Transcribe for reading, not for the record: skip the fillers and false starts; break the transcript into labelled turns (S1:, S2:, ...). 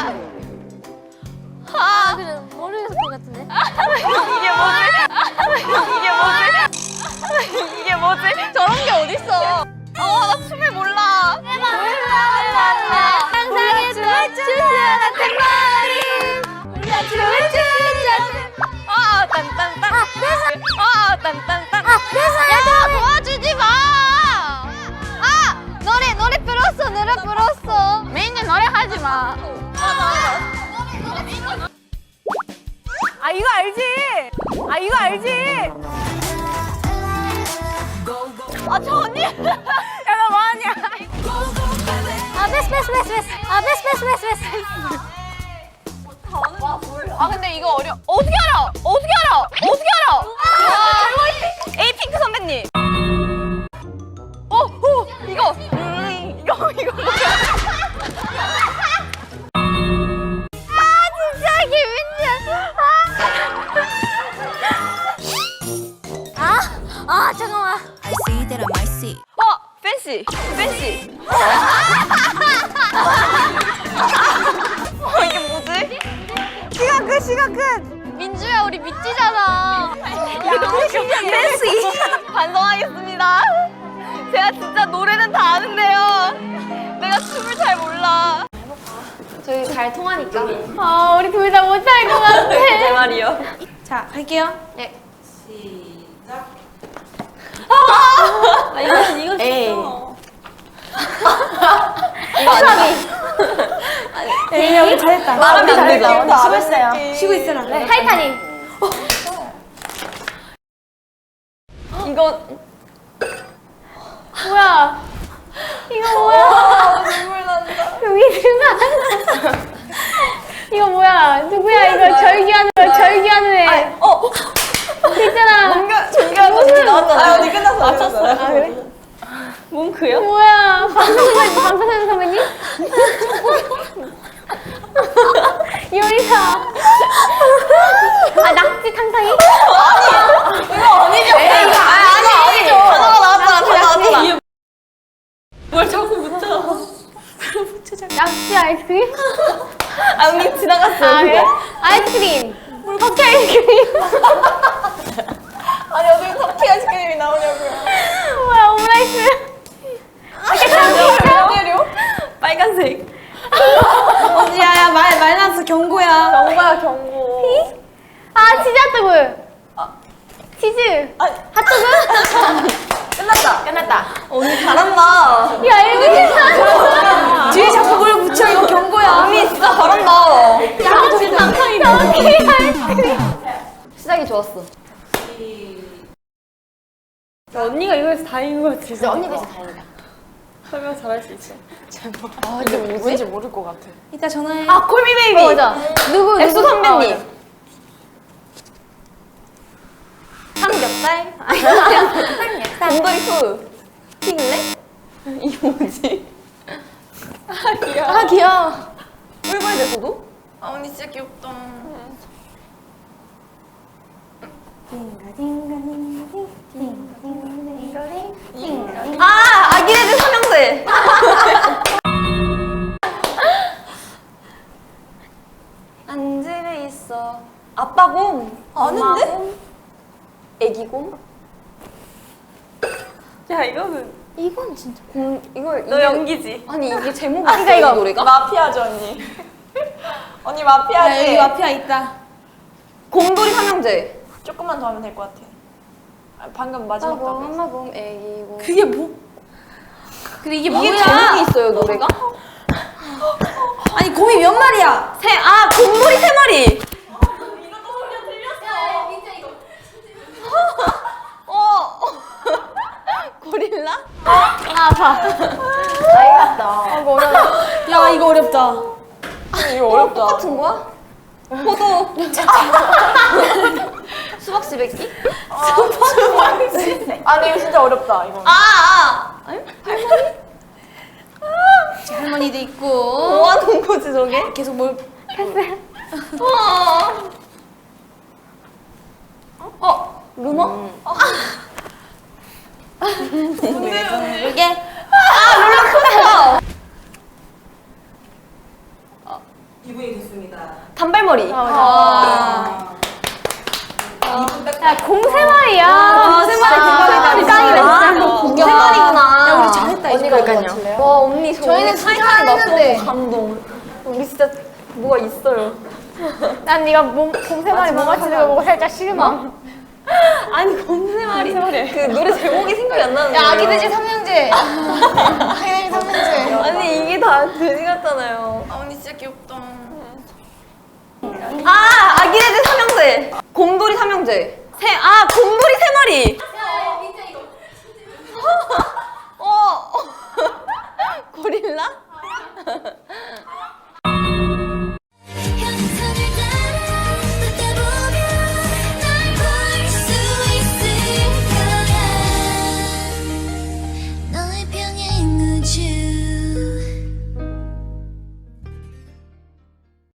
S1: 그래 모르겠을 것 같은데.
S2: 이게 뭐지? 저런 게 어딨어? 나 춤을 몰라.
S1: 상상의 춤을 같은 머리. 춤을 추자.
S2: 딴딴딴. 딴딴딴.
S1: 야, 너 도와주지 마. 노래 불었어.
S2: 메인은 노래 하지 마. 이거 알지? 저 언니. 야, 너 뭐하냐?
S1: 패스.
S2: 근데 이거 어떻게 알아? 에이핑크 선배님. 이거 뭐야?
S1: 진짜 김민지야. 잠깐만.
S3: I see that I might see.
S2: 팬시. 이게 뭐지? 시간 끝.
S1: 민주야, 우리 미치잖아.
S2: 팬시. 반성하겠습니다. 제가 진짜 노래는 다 아는데요. 내가 춤을 잘 몰라.
S1: 저희 잘 통하니까. 우리 둘 다 못할 것 같아.
S2: 제 말이요.
S3: 자, 갈게요.
S1: 네.
S2: 이거
S3: 에이.
S2: 이거 아니야.
S3: 에이, 우리 잘했다.
S2: 말하면 안 되죠.
S3: 수고했어요. 쉬고 있으라. 네.
S1: 타이타닉.
S2: 이거
S1: 뭐야? 이거 뭐야?
S2: 눈물 난다.
S1: 여기 누가? 이거 뭐야? 누구야? 이거 절규하는 애. 있잖아.
S2: 종교하고 나왔잖아. 언니 끝났어. 맞췄어.
S1: 그래?
S2: 몽크요?
S1: 뭐야? 방탄소년 선배님? 요리사. 낙지 탕탕이?
S2: 이거 아니죠? 아니죠. 단어가 나왔잖아. 뭘 자꾸 붙여.
S1: 낙지 아이스크림?
S2: 언니 지나갔어.
S1: 그래? 아이스크림. 커피 아이스크림.
S2: 아니 어떻게 터키 아이스크림이 나오냐고요.
S1: 뭐야? 오므라이스.
S2: 때려? 빨간색.
S3: 언니야, 말 나왔어. 경고야.
S2: 경고.
S1: 치즈 핫도그. 치즈. 핫도그?
S2: 끝났다. 언니 잘한다.
S1: 야, 이거 진짜.
S3: 뒤에 자꾸 뭘 붙여. 이거 경고야.
S2: 언니 진짜 잘한다.
S1: 낙지 탕탕이. 커피 아이스크림.
S2: 시작이 좋았어. 언니가 이거에서 다행인 것 같아.
S1: 진짜 언니가 진짜 다행이다.
S2: 설명 잘할 수 있어. 이게 뭐지? 왠지 모를 것 같아.
S3: 이따 전화해.
S2: 콜미 베이비.
S1: 맞아. 누구?
S2: 엑소 선배님.
S1: 맞아.
S2: 삼겹살. 곰돌이 푸. 핑래? 이게 뭐지? 귀여워.
S1: 귀여워.
S2: 꿀벌 대소도? 언니 진짜 귀엽다. 아기네들 삼형제. 안집에 있어. 아빠 곰. 아는데? 애기 곰? 야 이거는
S1: 이건 진짜.
S2: 이걸 너 연기지? 아니 이게 제목이
S1: 그러니까 이거.
S2: 이 노래가? 마피아죠 언니. 언니 마피아지?
S3: 야, 여기 마피아 있다.
S2: 곰돌이 삼형제. 조금만 더 하면 될 것 같아. 방금 마지막
S1: 곰,
S2: 답이
S1: 엄마 곰, 애기 곰.
S3: 그게 뭐? 그래, 이게 뭐야?
S2: 이게 제목이 있어요 노래가?
S3: 아니, 곰이 몇 마리야?
S2: 곰돌이 세 마리. 고릴라?
S1: 아파. 알겠다. 이거 어려워.
S3: 야, 이거 어렵다.
S2: 이거 어렵다. 똑같은 거야? 포도. 수박 시베끼? 아니 이거 진짜 어렵다 이거.
S3: 할머니도 있고.
S2: 뭐 하는 거지 저게?
S3: 계속 뭘.
S2: 루머?
S3: 이게.
S2: 롤러코스터.
S4: 2분이 됐습니다.
S2: 단발머리.
S1: 야, 공세마리야.
S3: 공세마리
S1: 짱이다, 진짜.
S2: 공세마리구나.
S3: 야, 우리 잘했다, 이제.
S2: 그러니까요. 와, 언니,
S1: 저희는
S2: 타이탄이 막
S1: 했는데.
S2: 너무 감동. 우리 진짜 뭐가 있어요.
S1: 난 네가 공세마리 뭐 맞히는 거 보고 살짝 실망.
S2: 아니, 공세마리. 그 노래 제목이 생각이 안 나는 거예요.
S1: 아기돼지 삼형제. 아기돼지 삼형제.
S2: 아니, 이게 다 돼지 같잖아요.
S3: 아, 언니 진짜 귀엽다.
S2: 아, 아기돼지 삼형제. 곰돌이 삼형제. 곰돌이 세 마리. 고릴라?